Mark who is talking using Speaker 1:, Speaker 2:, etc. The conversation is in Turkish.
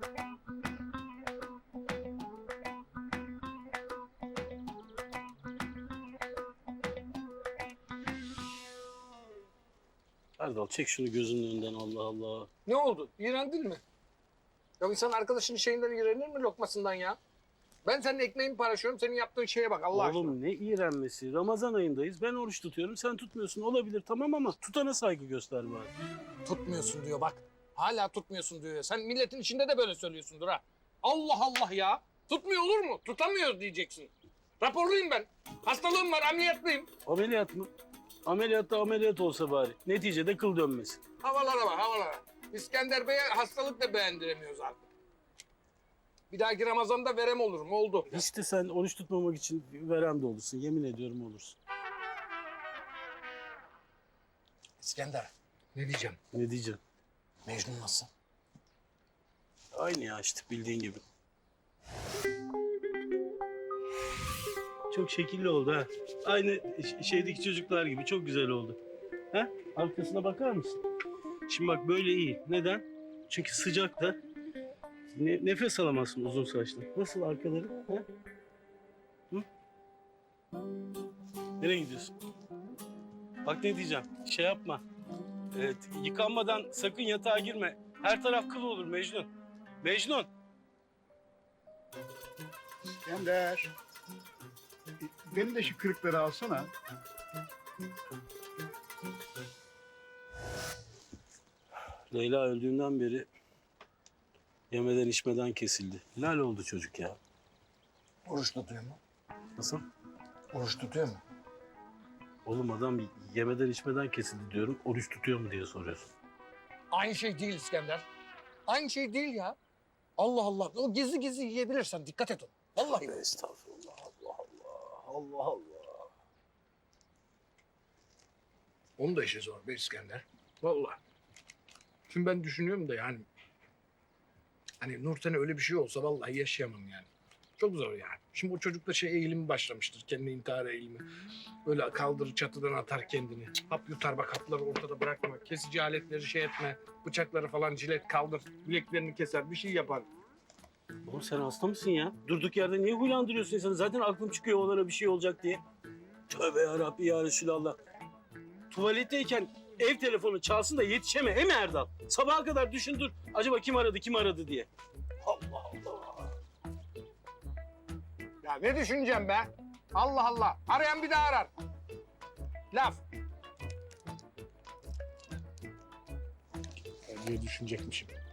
Speaker 1: Erdal çek şunu gözünün önünden, Allah Allah.
Speaker 2: Ne oldu? İğrendin mi? Ya insan arkadaşının şeyinden iğrenir mi, lokmasından ya? Ben senin ekmeğimi paylaşıyorum, senin yaptığın şeye bak Allah aşkına.
Speaker 1: Oğlum ne iğrenmesi? Ramazan ayındayız. Ben oruç tutuyorum, sen tutmuyorsun. Olabilir tamam ama tutana saygı göster bari.
Speaker 2: Tutmuyorsun diyor bak. Hala tutmuyorsun diyor. Sen milletin içinde de böyle söylüyorsundur ha. Allah Allah ya. Tutmuyor olur mu? Tutamıyor diyeceksin. Raporluyum ben. Hastalığım var, ameliyatlıyım.
Speaker 1: Ameliyat mı? Ameliyatta ameliyat olsa bari. Neticede kıl dönmesin.
Speaker 2: Havalara bak, havalara. İskender Bey'e hastalık da beğendiremiyoruz artık. Bir dahaki Ramazan'da verem olur mu? Oldu.
Speaker 1: İşte sen oruç tutmamak için verem de olursun. Yemin ediyorum olursun.
Speaker 2: İskender, ne diyeceğim?
Speaker 1: Ne diyeceğim?
Speaker 2: Mecnun nasıl?
Speaker 1: Aynı ya işte bildiğin gibi. Çok şekilli oldu ha. Aynı şeydeki çocuklar gibi çok güzel oldu. Ha? Arkasına bakar mısın? Şimdi bak böyle iyi. Neden? Çünkü sıcakta nefes alamazsın uzun saçlı. Nasıl arkaları? Ha? Hı? Nereye gidiyorsun? Bak ne diyeceğim. Şey yapma. Evet, yıkanmadan sakın yatağa girme. Her taraf kıl olur Mecnun. Mecnun.
Speaker 3: İskender. Benim de şu kırıkları alsana.
Speaker 1: Leyla öldüğünden beri yemeden içmeden kesildi. Lal oldu çocuk ya.
Speaker 2: Oruç tutuyor mu?
Speaker 1: Nasıl?
Speaker 2: Oruç tutuyor mu?
Speaker 1: Oğlum adam yemeden içmeden kesildi diyorum. Oruç tutuyor mu diye soruyorsun.
Speaker 2: Aynı şey değil İskender. Aynı şey değil ya. Allah Allah. O gizli gizli yiyebilirsen dikkat et ona. Vallahi.
Speaker 1: Estağfurullah. Allah Allah. Allah Allah.
Speaker 2: Onun da işi zor be İskender. Vallahi. Şimdi ben düşünüyorum da yani. Hani Nurten'e öyle bir şey olsa vallahi yaşayamam yani. Çok zor yani. Şimdi o çocukta şey eğilimi başlamıştır. Kendi intihar eğilimi. Böyle kaldırır çatıdan atar kendini. Hap yutar bak hapları ortada bırakma. Kesici aletleri şey etme. Bıçakları falan cilet kaldır. Bileklerini keser bir şey yapar.
Speaker 1: Oğlum sen hasta mısın ya? Durduk yerde niye huylandırıyorsun insanı? Zaten aklım çıkıyor onlara bir şey olacak diye. Tövbe yarabbi ya Resulallah. Tuvaletteyken ev telefonu çalsın da yetişeme he mi Erdal? Sabaha kadar düşün dur. Acaba kim aradı diye. Allah Allah.
Speaker 2: Ya ne düşüneceğim be? Allah Allah. Arayan bir daha arar. Laf. Ne düşünecekmişim?